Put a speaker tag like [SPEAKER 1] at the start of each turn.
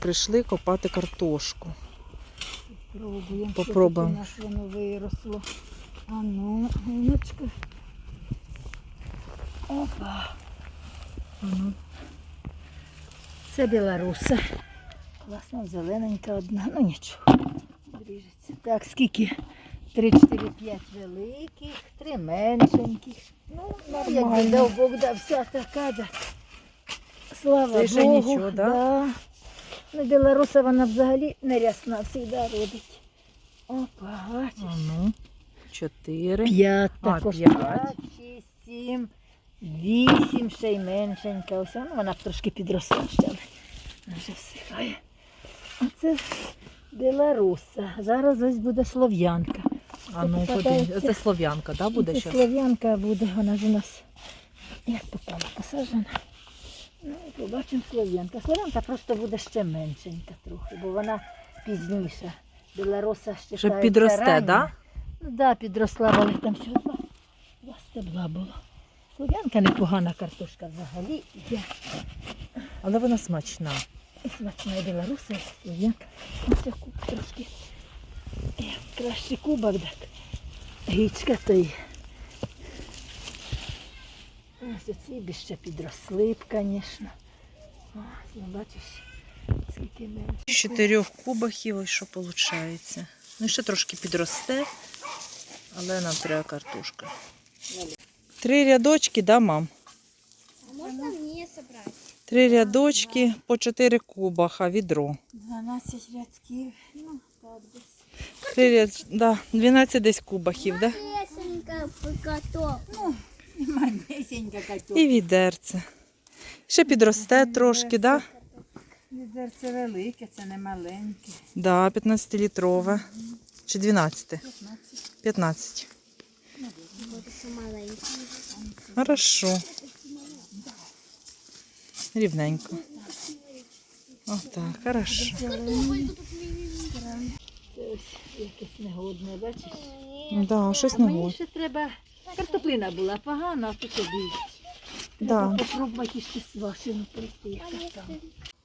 [SPEAKER 1] прийшли копати картошку.
[SPEAKER 2] Попробуємо. Що тут у нас воно виросло. А ну, гіночка. Опа.
[SPEAKER 1] Ага.
[SPEAKER 2] Це білоруса. Класно, зелененька одна. Ну нічого. Дріжеться. Так, скільки? 3, 4, 5 великих, 3 меншеньких. Ну, якби дав Бог, да, вся така, да. Слава
[SPEAKER 1] Це ще
[SPEAKER 2] Богу.
[SPEAKER 1] нічого, да?
[SPEAKER 2] Да. Ну, білоруса вона взагалі не рясна, завжди родить. Опа, бачиш.
[SPEAKER 1] А ну, 4.
[SPEAKER 2] 5
[SPEAKER 1] А,
[SPEAKER 2] також.
[SPEAKER 1] 5.
[SPEAKER 2] 5, 6, 7, 8, ще й меншенька. Ось, ну, вона б трошки підросла ще, але вона вже всихає. Оце білоруса. Зараз ось буде слов'янка.
[SPEAKER 1] А ну, подивіться. Це слов'янка, да, буде
[SPEAKER 2] Це
[SPEAKER 1] зараз?
[SPEAKER 2] слов'янка буде, вона ж у нас як попала посаджена. Ну, і побачимо слов'янка. Слов'янка просто буде ще меншенька трохи, бо вона пізніша. Білоруса ще
[SPEAKER 1] Вже підросте, так? Да?
[SPEAKER 2] Ну так, да, підросла, але там всього два стебла було. Слов'янка непогана картошка взагалі.
[SPEAKER 1] Але вона смачна.
[SPEAKER 2] І смачна і білоруса, і слов'янка. Ось я куб трошки. Краще кубок, так. Гічка то й. Ось оці б ще підросли б, звісно. Ось, ну бачиш, скільки менше.
[SPEAKER 1] З 4 кубахів ось що виходить. Ну, ще трошки підросте, але нам треба картошка. 3 рядочки, да, мам?
[SPEAKER 3] А можно мне собрать?
[SPEAKER 1] 3 рядочки по 4 кубаха, відро.
[SPEAKER 2] 12 рядків, ну так десь.
[SPEAKER 1] 3 ряд... да, 12 десь кубахів, да?
[SPEAKER 3] Лесенька покаток.
[SPEAKER 2] Манесенька катюк.
[SPEAKER 1] І відерце. Ще підросте трошки, да?
[SPEAKER 2] Відерце велике, це не маленьке.
[SPEAKER 1] Да, 15-літрове. Чи 12? 15.
[SPEAKER 3] Вот еще маленький.
[SPEAKER 1] Хорошо. Рівненько. Отак, хорошо.
[SPEAKER 2] Це ось якесь негодне, бачиш?
[SPEAKER 1] Да, щось
[SPEAKER 2] А мені
[SPEAKER 1] нове.
[SPEAKER 2] ще треба, картоплина була погана, а то тобі.
[SPEAKER 1] Да.
[SPEAKER 2] Треба попробувати ще свашену прийти. Яка там.